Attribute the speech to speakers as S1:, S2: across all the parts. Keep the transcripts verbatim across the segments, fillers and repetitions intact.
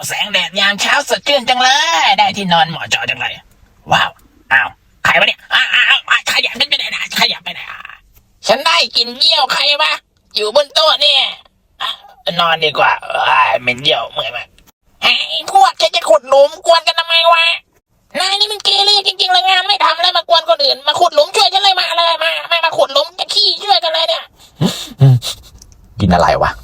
S1: แสงแดดยามเช้าสดชื่นจังเลยได้ที่นอนเหมาะเจาะจังเลยว้าวอ้าวใครวะเนี่ยอ้าวอ้าวขยับไปไหนนะขยับไปไหนฉันได้กินเยี่ยวใครวะอยู่บนโต๊ะเนี่ยนอนดีกว่าเหม็นเยี่ยวเมื่อยมากไอ้พวกแกจะขุดหลุมกวนกันทำไมวะนายนี่มันเกเรจริงๆเลยงานไม่ทำแล้วมากวนคนอื่นมาขุดหลุมช่วยฉันเลยมาเลยมาไม่มาขุดหลุมจะขี้ช่วยกันเลยเนี่ยกินอะไรวะ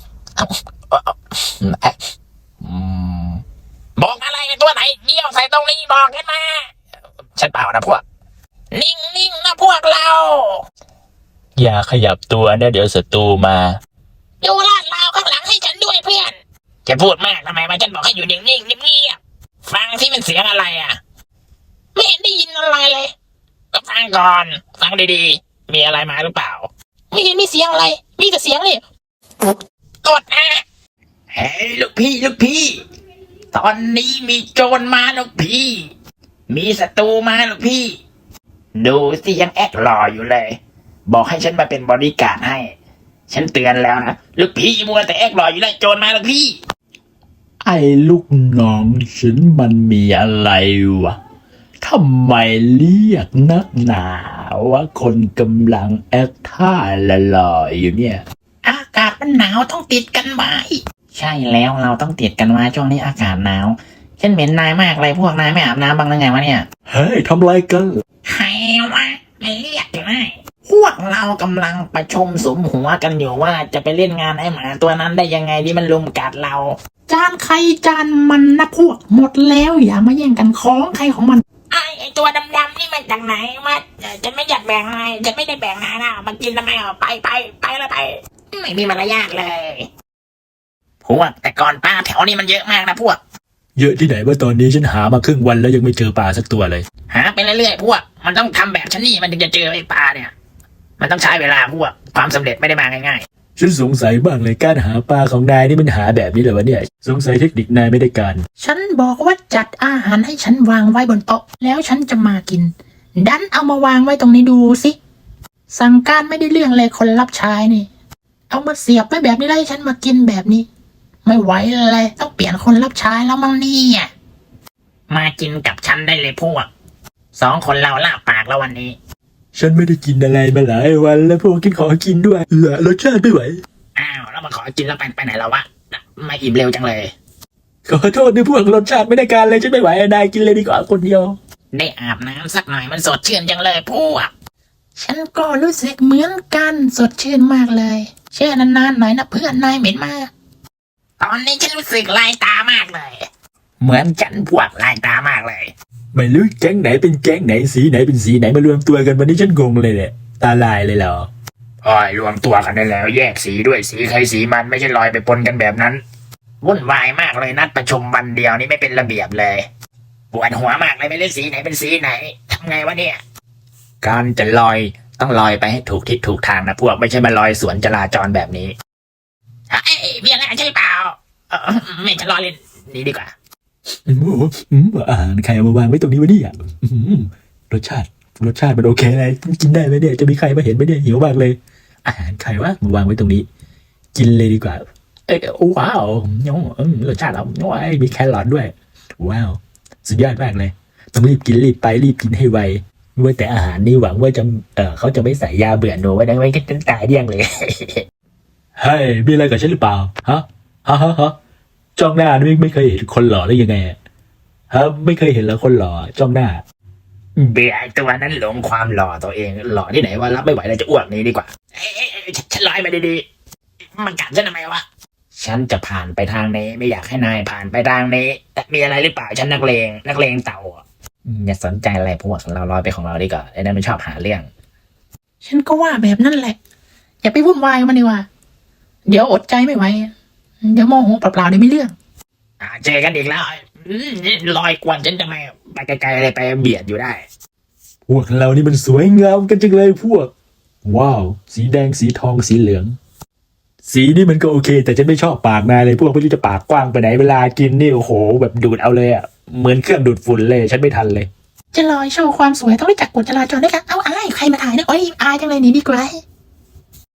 S1: บอกอะไรตัวไหนเยี่ยวใส่ตรงนี้บอกกันมาฉันเปล่านะพวกนิ่งๆนะพวกเรา
S2: อย่าขยับตัวนะเดี๋ยวศัตรูมา
S1: ดูลาดราวข้างหลังให้ฉันด้วยเพื่อนจะพูดมากทำไมมาฉันบอกให้อยู่นิ่งๆเงียบๆฟังที่มันเสียงอะไรอ่ะไม่เห็นได้ยินอะไรเลยก็ฟังก่อนฟังดีๆมีอะไรมาหรือเปล่าไม่เห็นมีเสียงอะไรมีแต่เสียงนี่กดอ่ะเฮ้ยลูกพี่ลูกพี่ตอนนี้มีโจรมาลูกพี่มีศัตรูมาลูกพี่ดูสิยังแอคหล่ออยู่เลยบอกให้ฉันมาเป็นบอดี้การ์ดให้ฉันเตือนแล้วนะลูกพี่มัวแต่แอคหล่ออยู่เลยโจรมาลูกพี่
S2: ไอ้ลูกน้องฉันมันมีอะไรวะทำไมเรียกนักหนาว่าคนกำลังแอคท่าละลอยอยู่เนี่ย
S1: อากาศมันหนาวต้องติดกันไว้ใช่แล้วเราต้องติดกันไว้ช่วงนี้อากาศหนาวฉันเหม็นนายมากเลยพวกนายไม่อาบน้ำบ้างหรือไงวะเนี่ย
S2: เฮ้ยทำไรกัน
S1: ใครวะไม่เรียกเลยพวกเรากำลังประชุมสมหัวกันอยู่ว่าจะไปเล่นงานไอ้หมาตัวนั้นได้ยังไงที่มันลุมกัดเรา
S3: จานใครจานมันนะพวกหมดแล้วอย่ามาแย่งกันของใครของมัน
S1: ไอ้ไอ้ตัวดำๆนี่มันจากไหนมาจะไม่อยากแบ่งนายจะไม่ได้แบ่งนายนะมันกินทำไมอ่ะไปไปไปแล้วไปไม่มีมารยาทเลยพวกแต่ก่อนปลาแถวนี้มันเยอะมากนะพวก
S2: เยอะที่ไหนว่าตอนนี้ฉันหามาครึ่งวันแล้วยังไม่เจอปลาสักตัวเลย
S1: หาไปเรื่อยๆพวกมันต้องทำแบบฉันนี่มันถึงจะเจอไอ้ปลาเนี่ยมันต้องใช้เวลาพวกความสำเร็จไม่ได้มาง่าย
S2: ๆฉันสงสัยบ้างเลยการหาปลาของนายนี่มันหาแบบนี้เลยวะเนี่ยสงสัยเทคนิคนายไม่ได้การ
S3: ฉันบอกว่าจัดอาหารให้ฉันวางไว้บนโต๊ะแล้วฉันจะมากินดันเอามาวางไว้ตรงนี้ดูสิสั่งการไม่ได้เรื่องเลยคนรับใช้นี่เอามาเสียบไว้แบบนี้แล้วให้ฉันมากินแบบนี้ไม่ไหวเลยต้องเปลี่ยนคนรับใช้แล้วมั้งเนี่ย
S1: มากินกับฉันได้เลยพวกสองคนเราลาปากแล้ววันนี้
S2: ฉันไม่ได้กินอะไรมาหลายวันแล้วพวกกินขอกินด้วยเหลือรสชาติไม่ไหว
S1: อ้าวแล้วมาขอกินแล้วไปไปไหนแล้ววะมาอิ่มเร็วจังเลย
S2: ขอโทษด้วยพวกรสชาติไม่ได้การเลยฉันไม่ไหวนายกินเลยดีกว่าคนเดียว
S1: ได้อาบน้ำสักหน่อยมันสดชื่นจังเลยพวก
S3: ฉันก็รู้สึกเหมือนกันสดชื่นมากเลยแช่นานๆหน่อยนะเพื่อนนายเหม็นมาก
S1: ตอนนี้ฉันรู้สึกลายตามากเลยเหมือนฉันพวกลายตามากเลย
S2: ไม่รู้แก๊งไหนเป็นแก๊งไหนสีไหนเป็นสีไหนมารวมตัวกันวันนี้ฉันงงเลยแหละตาลายเลยเหรอ
S1: โอ้ยรวมตัวกันได้แล้วแยกสีด้วยสีใครสีมันไม่ใช่ลอยไปปนกันแบบนั้นวุ่นวายมากเลยนัดประชุมวันเดียวนี่ไม่เป็นระเบียบเลยปวดหัวมากเลยไม่รู้สีไหนเป็นสีไหนทำไงวะเนี่ยการจะลอยต้องลอยไปให้ถูกทิศถูกทางนะพวกไม่ใช่มาลอยสวนจราจรแบบนี้เฮ้ยมีอะไรใช่เปล่าไม่จะลอยเล่นนี่ดีกว่า
S2: โอ้โหอาหารใครเอามาวางไว้ตรงนี้วะเนี่ยรสชาติรสชาติมันโอเคเลยกินได้ไหมเนี่ยจะมีใครมาเห็นไหมเนี่ยหิวมากเลยอาหารใครวะมาวางไว้ตรงนี้กินเลยดีกว่าเอ้ยว้าวรสชาติเราโอ้ยมีแครอทด้วยว้าวสุดยอดมากเลยต้องรีบกินรีบไปรีบกินให้ไวว่าแต่อาหารนี่หวังว่าจะเออเขาจะไม่ใส่ยาเบื่อหนูไว้ได้ไหมก็จะตายเดี่ยงเลยเฮ้ยมีอะไรกับฉันหรือเปล่าฮะฮะฮะฮะจ้องหน้าไม่ไม่เคยเห็นคนหล่อได้ยังไงฮะไม่เคยเห็นแล้วคนหล่อจ้องหน้า
S1: เบียร์ตัวนั้นหลงความหล่อตัวเองหล่อที่ไหนว่ารับไม่ไหวแล้วจะอ้วกนี้ดีกว่าเอ้ยฉันลอยมาดีๆมันกัดฉันทำไมวะฉันจะผ่านไปทางนี้ไม่อยากให้นายผ่านไปทางนี้แต่มีอะไรหรือเปล่าฉันนักเลงนักเลงเต่าอย่าสนใจอะไรพวกเราลอยไปของเราดีกว่าไอ้นั่นมันชอบหาเรื่อง
S3: ฉันก็ว่าแบบนั้นแหละอย่าไปวุ่นวายมันดีกว่าเดี๋ยวอดใจไม่ไหวเดี๋ยวโมโหเปล่าๆเดี๋ยวไม่เรื่อง
S1: อ่าเจอกันอีกแล้วลอยกวนฉันทำไมไปไกลๆเลยไปเบียดอยู่ได้
S2: พวกเรานี่มันสวยงามกันจังเลยพวกว้าวสีแดงสีทองสีเหลืองสีนี่มันก็โอเคแต่ฉันไม่ชอบปากนายเลยพวกไม่รู้จะปากกว้างไปไหนเวลากินนี่โอ้โหแบบดูดเอาเลยอ่ะเหมือนเครื่องดูดฝุ่นเลยฉันไม่ทันเลย
S3: จะลอยโชว์ความสวยต้องรู้จักกฎจราจรด้วยกันเอาอายใครมาถ่ายเนี่ยโอ้ยอายจังเลยหนีดีกว่า